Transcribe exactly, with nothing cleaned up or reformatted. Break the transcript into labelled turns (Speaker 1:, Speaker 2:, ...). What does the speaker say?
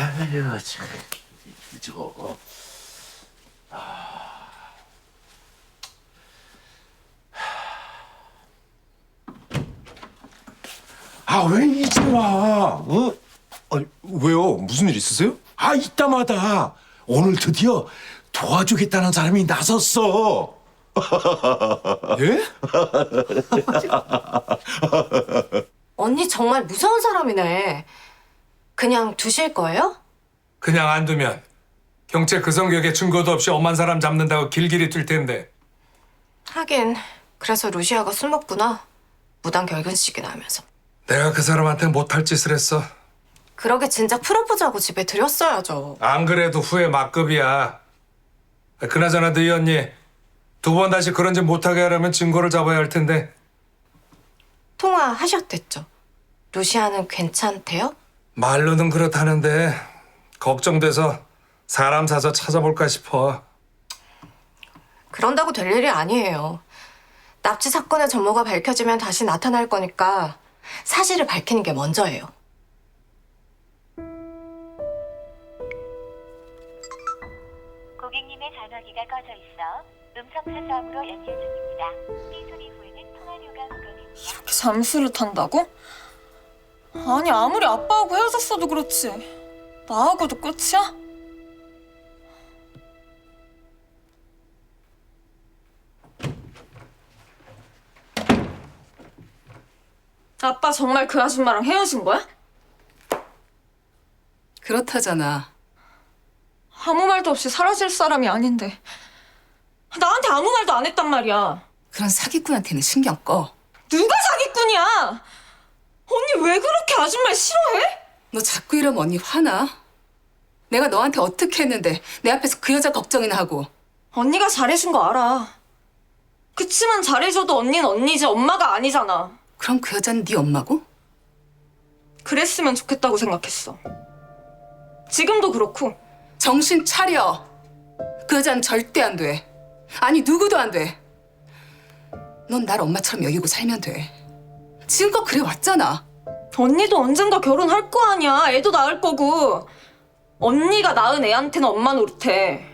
Speaker 1: 아유 참 저거. 아 왜 이제 와? 어?
Speaker 2: 아니, 왜요? 무슨 일 있으세요?
Speaker 1: 아 이따마다 오늘 드디어 도와주겠다는 사람이 나섰어.
Speaker 2: 예?
Speaker 3: 언니 정말 무서운 사람이네. 그냥 두실 거예요?
Speaker 4: 그냥 안 두면 경찰 그 성격에 증거도 없이 엄한 사람 잡는다고 길길이 뛸 텐데.
Speaker 3: 하긴 그래서 루시아가 술 먹구나. 무단 결근식이나 하면서.
Speaker 4: 내가 그 사람한테 못할 짓을 했어.
Speaker 3: 그러게 진작 프로포즈하고 집에 들였어야죠.
Speaker 4: 안 그래도 후회 막급이야. 그나저나 너희 언니 두 번 다시 그런 짓 못하게 하려면 증거를 잡아야 할 텐데.
Speaker 3: 통화하셨댔죠? 루시아는 괜찮대요?
Speaker 4: 말로는 그렇다는데 걱정돼서 사람 사서 찾아볼까 싶어.
Speaker 3: 그런다고 될 일이 아니에요. 납치 사건의 전모가 밝혀지면 다시 나타날 거니까 사실을 밝히는 게 먼저예요.
Speaker 5: 고객님의 전화기가 꺼져 있어 음성 사서함으로 연결 중입니다. 삐 소리 후에는 통화료가 부과됩니다.
Speaker 6: 이렇게 잠수를 탄다고? 아니 아무리 아빠하고 헤어졌어도 그렇지 나하고도 끝이야? 아빠 정말 그 아줌마랑 헤어진 거야?
Speaker 7: 그렇다잖아.
Speaker 6: 아무 말도 없이 사라질 사람이 아닌데 나한테 아무 말도 안 했단 말이야.
Speaker 7: 그런 사기꾼한테는 신경 꺼.
Speaker 6: 누가 사기꾼이야? 언니 왜 그렇게 아줌마를 싫어해?
Speaker 7: 너 자꾸 이러면 언니 화나? 내가 너한테 어떻게 했는데 내 앞에서 그 여자 걱정이나 하고.
Speaker 6: 언니가 잘해준 거 알아. 그치만 잘해줘도 언니는 언니지 엄마가 아니잖아.
Speaker 7: 그럼 그 여자는 네 엄마고?
Speaker 6: 그랬으면 좋겠다고 생각했어. 지금도 그렇고.
Speaker 7: 정신 차려. 그 여자는 절대 안 돼. 아니 누구도 안 돼. 넌 날 엄마처럼 여기고 살면 돼. 지금껏 그래 왔잖아.
Speaker 6: 언니도 언젠가 결혼할 거 아니야. 애도 낳을 거고. 언니가 낳은 애한테는 엄마 노릇해.